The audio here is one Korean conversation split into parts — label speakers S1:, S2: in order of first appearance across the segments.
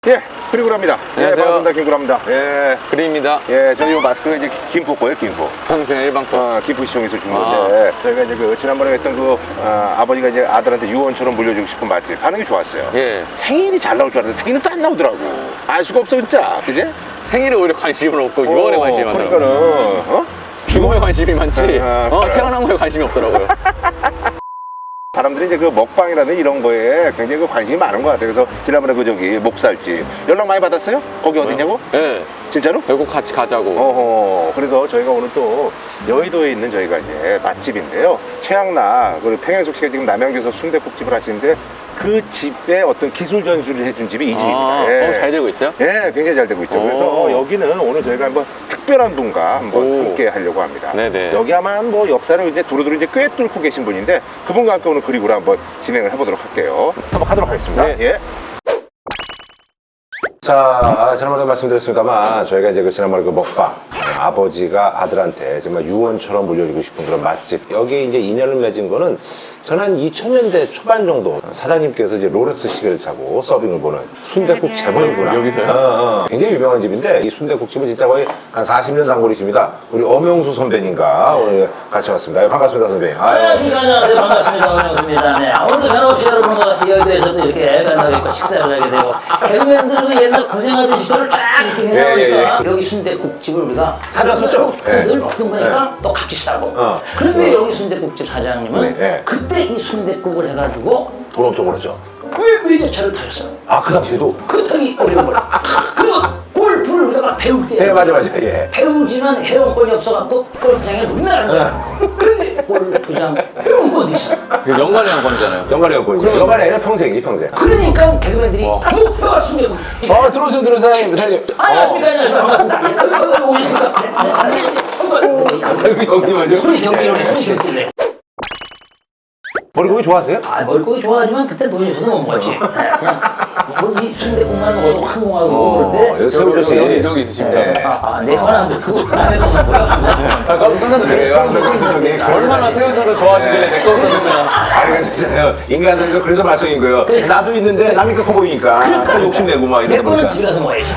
S1: 예, 그리고랍니다.
S2: 안녕하세요.
S1: 예, 반갑습니다. 김구랍니다. 예,
S2: 그림입니다.
S1: 예, 저희 요 마스크가 이제 김포 거예요, 김포.
S2: 저는 그냥 일반 거.
S1: 김포 시청에서 준 건데, 저희가 이제 그 지난번에 했던 그 아버지가 이제 아들한테 유언처럼 물려주고 싶은 맛집 반응이 좋았어요.
S2: 예.
S1: 생일이 잘 나올 줄 알았는데 생일은 또 안 나오더라고. 알 수가 없어 진짜, 그지?
S2: 생일에 오히려 관심을 없고 유언에 관심이 많더라고요.
S1: 그러니까는
S2: 죽음에 관심이 많지
S1: 그래요.
S2: 태어난 거에 관심이 없더라고요.
S1: 사람들이 이제 그 먹방이라든 이런 거에 굉장히 그 관심이 많은 것 같아요. 그래서 지난번에 그 저기 목살집 연락 많이 받았어요? 거기 어디냐고?
S2: 예.
S1: 진짜로?
S2: 결국 같이 가자고.
S1: 어허, 그래서 저희가 오늘 또 여의도에 있는 저희가 이제 맛집인데요. 최양락, 그리고 평양숙 씨가 지금 남양주에서 순댓국집을 하시는데 그 집의 어떤 기술 전수를 해준 집이 이 집입니다. 예.
S2: 잘 되고 있어요?
S1: 예, 굉장히 잘 되고 있죠.
S2: 오.
S1: 그래서 여기는 오늘 저희가 한번 특별한 분과 한번
S2: 오.
S1: 함께 하려고 합니다.
S2: 네네.
S1: 여기 아마 뭐 역사를 이제 두루두루 이제 꽤 뚫고 계신 분인데 그분과 함께 오늘 그리고를 한번 진행을 해보도록 할게요. 한번 가도록 하겠습니다.
S2: 네.
S1: 예. 자, 지난번에 말씀드렸습니다만 저희가 이제 그 지난번에 그 먹방 아버지가 아들한테 정말 유언처럼 물려주고 싶은 그런 맛집 여기 이제 인연을 맺은 거는 저는 한 2000년대 초반 정도 사장님께서 이제 롤렉스 시계를 차고 서빙을 보는 순댓국 재벌이구나.
S2: 여기서요?
S1: 굉장히 유명한 집인데 이 순댓국집은 진짜 거의 한 40년 단골이십니다. 우리 엄영수 선배님과 오늘 같이 왔습니다. 반갑습니다, 선배님.
S3: 안녕하십니까. 안녕하세요. 반갑습니다. 반갑습니다. 네. 오늘도 변함없이 여러분과 같이 여의도에서도 이렇게 만나뵙고 식사를 하게 되고 개그맨들도 옛날 고생하던 시절을 쫙 이렇게 해서 보니까 여기 순댓국집을 우리가
S1: 찾았었죠?
S3: 늘
S1: 네.
S3: 먹던 거니까
S1: 네.
S3: 또 값이 싸고
S1: 어.
S3: 그런데 여기 순댓국집 사장님은
S1: 네, 네.
S3: 그때 이 순댓국을 해가지고
S1: 돈 엄청 벌었죠?
S3: 외제차를 타셨어요.
S1: 아, 그 당시에도?
S3: 그 타기 어려운 걸. 그리고 골프를 우리가 막 배울 때
S1: 네, 맞아. 예.
S3: 배우지만 회원권이 없어갖고 골프장에 문나는 거야. 그런데 골프장 회원권이 있어.
S2: 연관의 한 건잖아요.
S1: 연관이 없고 이제 연관이 아니라 평생이 평생.
S3: 그러니까 개그맨들이 목표가 숨겨고
S1: 들어오세요, 사장님.
S3: 안녕하십니까. 안녕하십니까. 반갑습니다. 오셨습니까?
S1: 여기 맞아.
S3: 손이 경기로네. 손이 경기로네.
S1: 머리고기 좋아하세요?
S3: 아, 머리고기 좋아하지만 그때 돈이 없어서 못 먹었지. 그냥 뭐이 순대국만 먹어도 항공하고 그런데
S1: 새우젓이
S2: 여기 있으십니다.
S3: 내 편한데 그거 안 해보면 뭐야.
S2: 깜짝 놀랐어요. 얼마나 새우젓을 좋아하시길래 내 거부터 드시나.
S1: 아니, 진짜요. 인간들도 그래서 말썽인 거예요. 나도 있는데 남이 커 보이니까 또 욕심내고 막
S3: 내
S1: 이러다
S3: 거는
S1: 보니까.
S3: 집에 가서 먹어야지.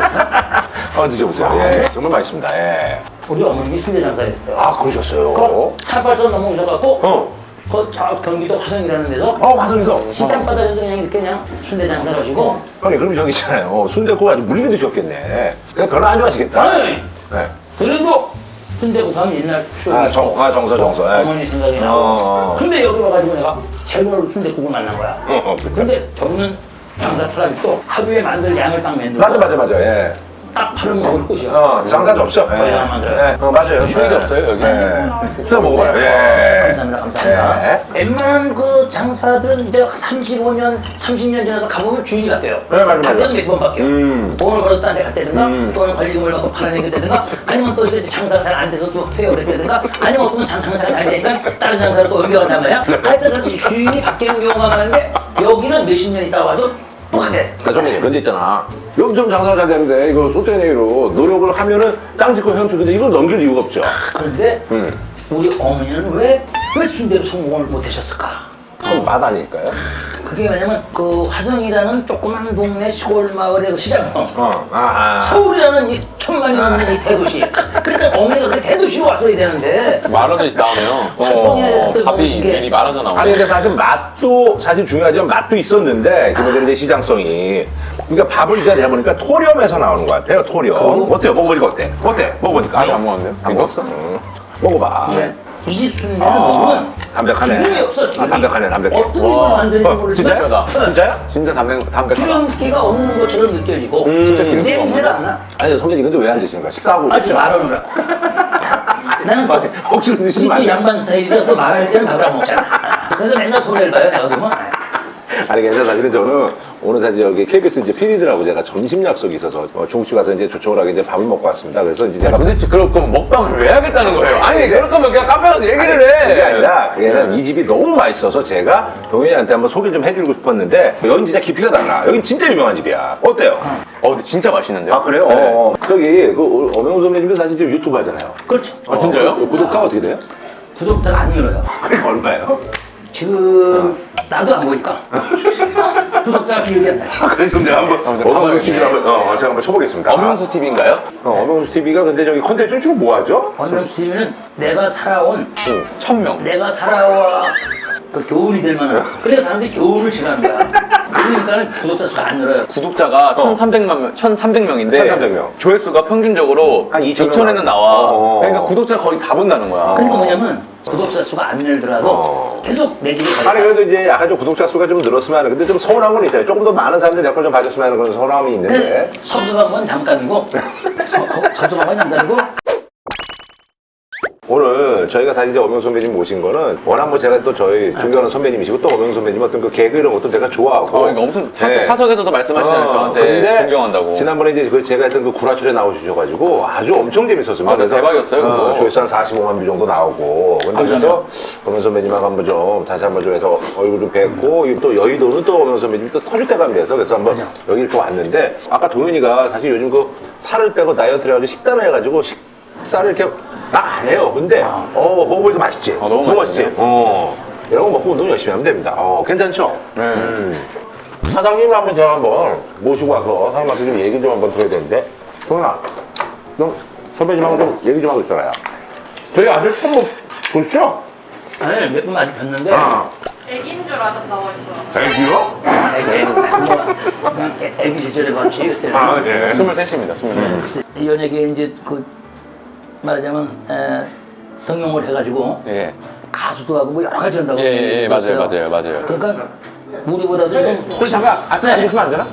S1: 한번 드셔보세요. 예, 정말 맛있습니다. 예.
S3: 우리 어머님이 순대 장사했어요.
S1: 아, 그러셨어요?
S3: 차발선 넘어오셔갖고
S1: 어.
S3: 경기도 화성이라는 데서
S1: 화성에서.
S3: 시장 바닥에서 그냥 이렇게 그냥 순대 장사를 하시고
S1: 형님, 그럼 저기 있잖아요. 순댓국 아주 물리게 드셨겠네. 그냥 별로 안 좋아하시겠다.
S3: 아니
S1: 네.
S3: 그래도 순대국 하면 옛날 추억이
S1: 정서. 예.
S3: 어머니 생각이 나고 근데 여기 와가지고 내가 재벌 순대국을 만난 거야. 근데 저분은 장사 트라직도 하루에 만들 양을 딱 만들고
S1: 맞아. 예.
S3: 딱 팔을 먹을 곳이야.
S1: 장사도 없죠?
S3: 거의 안 만들어요.
S1: 맞아요.
S2: 휴일이 없어요, 여기?
S1: 수다 먹어봐요. 예.
S3: 감사합니다. 웬만한 그 장사들은 이제 35년, 30년 지나서 가보면 주인이 바뀌어요.
S1: 네, 맞아요.
S3: 바뀌어도 몇 번 바뀌어요. 돈을 벌어서 딴 데 갔다든가, 또는 권리금을 받고 팔아내겠다든가, 아니면 또 이제 장사 잘 안 돼서 또 퇴업을 했다든가, 아니면 어떤 장사가 잘 되니까 다른 장사로 또 옮겨간단 말이야. 하여튼 그래서 주인이 바뀌는 경우가 많은데, 여기는 몇십 년 있다 와도 똑같아.
S1: 선배님, 근데 있잖아. 여기 좀 장사가 잘 되는데, 이거 소떼네로 노력을 하면은 땅 짓고 현투인데 이걸 넘길 이유가 없죠.
S3: 그런데 우리 어머니는 왜 순대로 성공을 못하셨을까?
S1: 그건 맛 아닐까요?
S3: 그게 왜냐면 그 화성이라는 조그만 동네 시골 마을의 그 시장성 서울이라는 이 천만이 넘는 이 대도시 그러니까 어머니가 그 대도시로 왔어야 되는데
S2: 말하듯이 나오네요.
S3: 화성에 그때
S2: 답이
S3: 먹으신 게
S2: 미리 말하자 나오네.
S1: 아니, 근데 사실 맛도 사실 중요하지만 맛도 있었는데, 기본적으로 이제 시장성이. 그러니까 밥을 이제 해보니까 토렴에서 나오는 것 같아요, 토렴. 어때요? 먹어보니까 어때?
S2: 아직
S1: 먹어보니까.
S2: 안 먹었는데요?
S1: 안 먹었어? 먹어봐.
S3: 이 집 순대는 먹으면
S1: 담백하네.
S3: 기름이 없어. 기름이.
S1: 담백하네.
S3: 어떻게 이걸 만드는지 모르지만
S1: 진짜요?
S2: 진짜다.
S1: 진짜야?
S2: 진짜 담백하다.
S3: 기름기가 없는 것처럼 느껴지고
S2: 진짜 기름기가
S3: 냄새가 안 나.
S1: 아니, 선배님, 근데 왜 안 드시는 거야? 식사하고
S3: 아직 말하느라. 나는 또
S1: 혹시 드시면
S3: 또
S1: 안 돼요?
S3: 양반 스타일이라 또 말할 때는 밥을 안 먹잖아. 그래서 맨날 손해를 봐요. 내가 그러면.
S1: 아니, 괜찮아. 사실은 저는 오늘 사실 여기 KBS 이제 PD들하고 제가 점심 약속이 있어서 중국집 가서 이제 조촐하게 이제 밥을 먹고 왔습니다. 그래서 이제 제가
S2: 도대체 그럴 거면 먹방을 왜 하겠다는 거예요? 아니, 그럴 거면 그냥 카페 가서 얘기를 해.
S1: 그게 아니라 그게는 이 집이 너무 맛있어서 제가 동현이한테 한번 소개 좀 해주고 싶었는데 여긴 진짜 깊이가 달라. 여긴 진짜 유명한 집이야. 어때요?
S2: 근데 진짜 맛있는데요?
S1: 아, 그래요?
S2: 네.
S1: 저기 그 엄영수 선배님도 사실 지금 유튜브 하잖아요.
S3: 그렇죠.
S2: 아, 진짜요?
S1: 구독자가 어떻게 돼요?
S3: 구독자가 안 늘어요.
S1: 그게 얼마예요?
S3: 지금 나도 안 보니까 구독자가 기억이 안 나요.
S1: 그래서 제가 한번 어명수 TV를 한번 제가 한번 쳐보겠습니다.
S2: 엄영수 TV인가요?
S1: 어명수 TV가 근데 저기 컨텐츠 주로 뭐 하죠?
S3: 원명수 TV는 내가 살아온
S2: 1000명.
S3: 내가 살아와 그 교훈이 될 만한 그래서 사람들이 교훈을 싫어하는 거야. 그러니까 구독자 수가 안 늘어요.
S2: 구독자가 1300명인데
S1: 1300명.
S2: 조회수가 평균적으로
S1: 한 2000
S2: 2000에는 나와.
S1: 어.
S2: 그러니까 구독자가 거의 다 본다는 거야.
S3: 그러니까 뭐냐면 구독자 수가 안 늘더라도 계속 내 길을
S1: 아니
S3: 가요.
S1: 그래도 이제 약간 좀 구독자 수가 좀 늘었으면 하는 근데 좀 서운한 건 있잖아요. 조금 더 많은 사람들이 내 걸 좀 봐줬으면 하는 그런 서운함이 있는데
S3: 섭섭한 건 잠깐이고 섭섭한 건 잠깐이고
S1: 오늘 저희가 사실 이제 엄영 선배님 모신 거는 워낙 뭐 제가 또 저희 존경하는 선배님이시고 또 엄영 선배님 어떤 그 개그 이런 것도 내가 좋아하고
S2: 그러니까 엄청
S1: 네.
S2: 사석에서도 말씀하시잖아요. 저한테
S1: 근데
S2: 존경한다고.
S1: 지난번에 이제 그 제가 했던 그 구라출에 나오셔가지고 아주 엄청 재밌었습니다.
S2: 아, 네, 대박이었어요, 그거.
S1: 조회수 한 45만 뷰 정도 나오고. 근데 그래서 엄영 선배님하고 한번 좀 다시 한번 좀 해서 얼굴 좀 뵙고 또 여의도는 또 엄영 선배님이 또 터질 때가 돼서 그래서 한번 여기 이렇게 왔는데 아까 동현이가 사실 요즘 그 살을 빼고 다이어트를 해가지고 식단을 해가지고 식사를 이렇게 막 안 해요. 근데 먹어보니까 맛있지.
S2: 너무
S1: 맛있지. 이런 거 먹고 운동 열심히 하면 됩니다. 괜찮죠?
S2: 네.
S1: 사장님을 한번 제가 한번 모시고 와서 사장님한테 좀 얘기 좀 한번 들어야 되는데 동현아 너 선배님하고 좀 얘기 좀 하고 있어라요. 저희 아들 처음 보시죠?
S3: 아니 몇 분 많이 뵀는데
S4: 애기인 줄 아셨다고 했어요.
S1: 애기요?
S3: 애기 시절에 봤지 그때는
S1: 네.
S2: 23입니다. 23.
S3: 이 연예계 이제 그 말하자면 등용을 해가지고
S2: 예.
S3: 가수도 하고 뭐 여러 가지 한다고
S2: 예, 맞아요.
S3: 그랬어요.
S2: 맞아요.
S3: 그러니까 우리보다도 좀
S1: 혹시 잠깐 앉으시면 안 되나?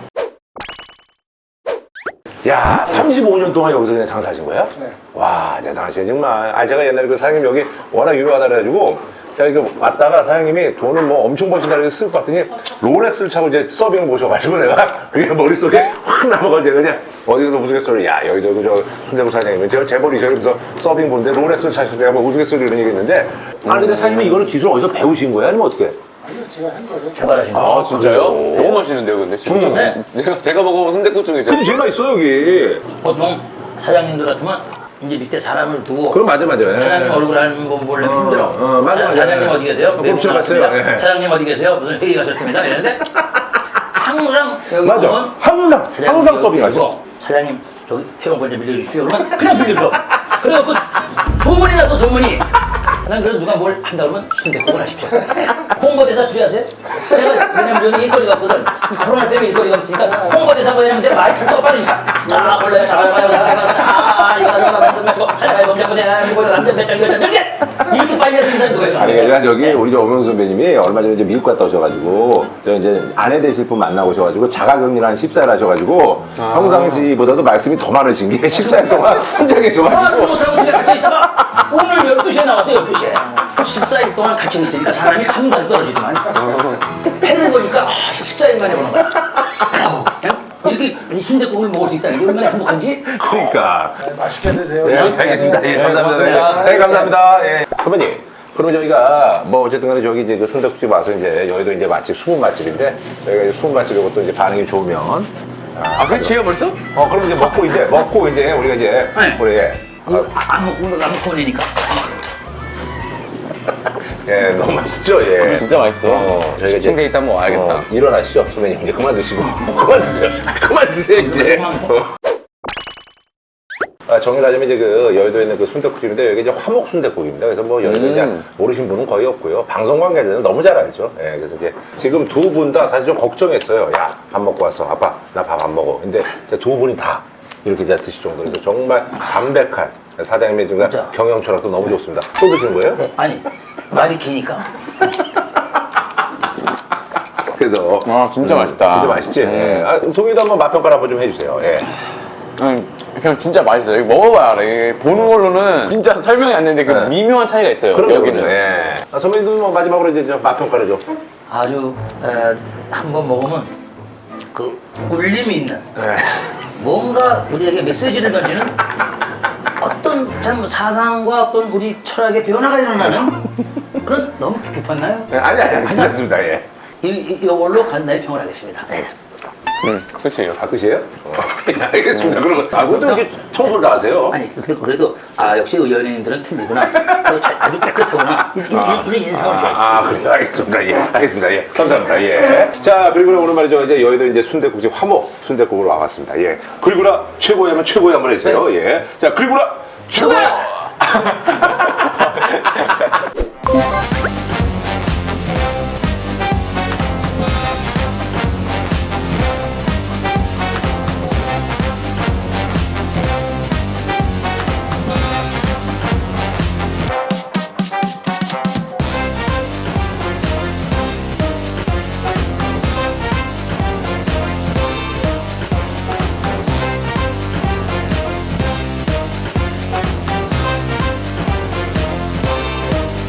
S1: 야, 35년 동안 여기서 그냥 장사하신 거예요? 네. 와, 대단하시네, 정말. 아, 제가 옛날에 그 사장님 여기 워낙 유명하다 그래가지고, 제가 이거 왔다가 사장님이 돈을 뭐 엄청 버신다 그래서 쓸 것 같더니 롤렉스를 차고 이제 서빙을 모셔가지고 내가 그게 머릿속에 확 남아가지고 제가 그냥 어디 가서 우스갯소리, 야, 여기도 그 저 손대부 사장님이 제가 재벌이죠. 그러면서 서빙 보는데 롤렉스를 차셔서 내가 뭐 우스갯소리 이런 얘기 했는데, 아니, 근데 사장님이 이거를 기술 어디서 배우신 거예요? 아니면 어떻게?
S3: 개발하신 거.
S2: 아, 진짜요?
S1: 그래요?
S2: 너무 맛있는데요, 근데 진짜.
S3: 네.
S2: 제가 먹어본 순댓국 중에서
S1: 근데 제일 맛있어, 여기.
S3: 보통 사장님들 같으면 이제 밑에 사람을 두고
S1: 그럼 맞아. 예.
S3: 사장님 얼굴 한번 보려면 힘들어.
S1: 맞아.
S3: 사장님 어디 계세요?
S1: 곱씹어
S3: 외국
S1: 갔어요.
S3: 나왔습니다.
S1: 예.
S3: 사장님 어디 계세요? 무슨 회의 가셨습니다. 이랬는데 항상 여기
S1: 맞아.
S3: 보면
S1: 항상
S3: 사장님 여기
S1: 서빙하죠.
S3: 있고, 사장님 저기 회원권 좀 빌려주십시오. 그러면 그냥 빌려줘. 그래갖고 소문이 나서 소문이. 난 그래도 누가 뭘 한다 그러면 순댓국을 하십시오. 홍보대사 필요하세요? 제가 왜냐면 요새 일거리가 없거든. 코로나 때문에 일거리가 없으니까 홍보대사 뭐냐면 제가 많이 툭툭 빠르니까 자 원래 자가요 이거 말씀하시고 사장님 범죄 내가 이거 남자 배짱 이거 이렇게 빨리 하는 사람이 누가 있어?
S1: 아니, 그러니까 저기 우리 엄영 선배님이 얼마 전에 이제 미국 갔다 오셔가지고 저 이제 아내 되실 분 만나고 오셔가지고 자가격리를 한 14일 하셔가지고 평상시보다도 말씀이 더 많으신 게 14일 동안 혼자 계셔가지고
S3: 못하고 집에 갇혀 있다가 오늘 12시에 나왔어요 12시에 14일 동안 갇혀 있으니까 사람이 감각이 떨어지더만 해를 보니까 14일 만에 보는 거야 그냥 이렇게 순댓국을 먹을 수 있다는 게 얼마나 행복한지
S1: 그러니까
S5: 맛있게 드세요.
S1: 네, 알겠습니다. 예, 감사합니다. 네, 감사합니다. 예. 선배님, 그럼 저희가 뭐 어쨌든 간에 저기 이제 순댓국집 와서 이제 여의도 이제 맛집, 숨은 맛집인데 저희가 이제 숨은 맛집 이것도 이제 반응이 좋으면
S2: 아, 그치요 벌써?
S1: 그럼 이제 먹고 이제 우리가 이제
S3: 네.
S1: 우리
S3: 안 먹고 가면 손해니까
S1: 예, 너무 맛있죠? 예.
S2: 진짜 맛있어.
S1: 저희가 이제
S2: 시청돼 있다면 뭐 알겠다.
S1: 일어나시죠, 선배님. 이제 그만 드시고. 그만 드세요. 그만 드세요, 이제. 정리하자면 이제 그 여의도에 있는 그 순댓국집인데 여기 이제 화목 순댓국입니다. 그래서 뭐 여의도 이제 모르신 분은 거의 없고요. 방송 관계자는 너무 잘 알죠. 예, 그래서 이제 지금 두 분 다 사실 좀 걱정했어요. 야, 밥 먹고 왔어. 아빠, 나 밥 안 먹어. 근데 이제 두 분이 다 이렇게 이제 드실 정도로 그래서 정말 담백한 사장님의 지금
S3: 진짜.
S1: 경영 철학도 너무 좋습니다. 또 드시는 거예요?
S3: 아니 말이 기니까
S1: 그래서
S2: 진짜 맛있다.
S1: 진짜 맛있지. 예. 동희도 한번 맛 평가를 한번 좀 해주세요. 예.
S2: 그냥 진짜 맛있어요. 이거 먹어봐야 알아. 이게 보는 걸로는 진짜 설명이 안 되는데 그
S1: 네.
S2: 미묘한 차이가 있어요.
S1: 그럼요,
S2: 여기는.
S1: 예. 선배님도 뭐 마지막으로 이제 맛 평가를 좀.
S3: 아주 한번 먹으면 그 울림이 있는
S1: 예.
S3: 뭔가 우리에게 메시지를 던지는 어떤 참 사상과 어떤 우리 철학의 변화가 일어나는 그런 너무 깊었나요?
S1: 아니, 괜찮습니다. 예.
S3: 이걸로 간단히 평을 하겠습니다.
S1: 네.
S2: 끝이에요.
S1: 아, 끝이에요? 네, 알겠습니다. 그러면, 그것도 이렇게 청소를 다 하세요?
S3: 아니 그래도 역시 연예인들은 틀리구나. 아주 깨끗하구나. 이런 인상을 좋아해.
S1: 그래요. 알겠습니다. 예. 알겠습니다. 예. 감사합니다. 예. 자, 그리고 오늘 말이죠. 이제 여의도 이제 순댓국집 화목 순댓국으로 와봤습니다. 예. 그리고나 최고야 하면 최고야 한번 해주세요. 예. 자, 그리고나 최고야!